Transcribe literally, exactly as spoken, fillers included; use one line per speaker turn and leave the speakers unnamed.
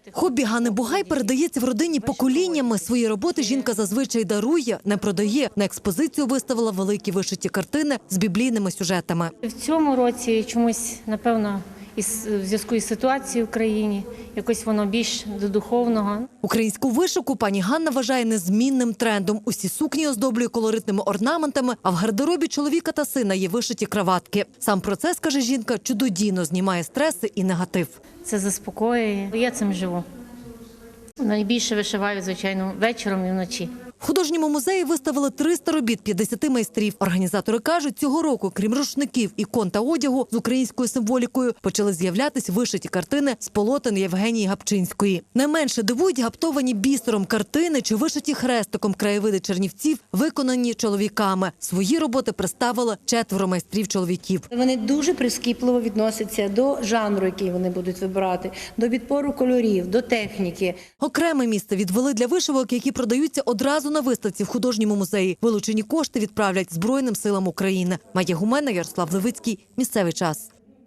Хобі Ганни Бугай передається в родині поколіннями. Свої роботи жінка зазвичай дарує, не продає. На експозицію виставила великі вишиті картини з біблійними сюжетами.
В цьому році чомусь, напевно, із в зв'язку із ситуацією в країні, якось воно більш до духовного.
Українську вишивку пані Ганна вважає незмінним трендом. Усі сукні оздоблює колоритними орнаментами, а в гардеробі чоловіка та сина є вишиті краватки. Сам процес, каже жінка, чудодійно знімає стреси і негатив.
Це заспокоює. Я цим живу. Найбільше вишиваю, звичайно, вечором і вночі.
В художньому музеї виставили триста робіт п'ятдесят майстрів. Організатори кажуть, цього року, крім рушників, ікон та одягу з українською символікою, почали з'являтись вишиті картини з полотен Євгенії Гапчинської. Найменше дивують гаптовані бісером картини чи вишиті хрестиком краєвиди Чернівців, виконані чоловіками. Свої роботи представили четверо майстрів-чоловіків.
Вони дуже прискіпливо відносяться до жанру, який вони будуть вибирати, до відбору кольорів, до техніки.
Окреме місце відвели для вишивок, які продаються одразу на виставці в художньому музеї. Вилучені кошти відправлять Збройним силам України. Майя Гумена, Ярослав Левицький. Місцевий час.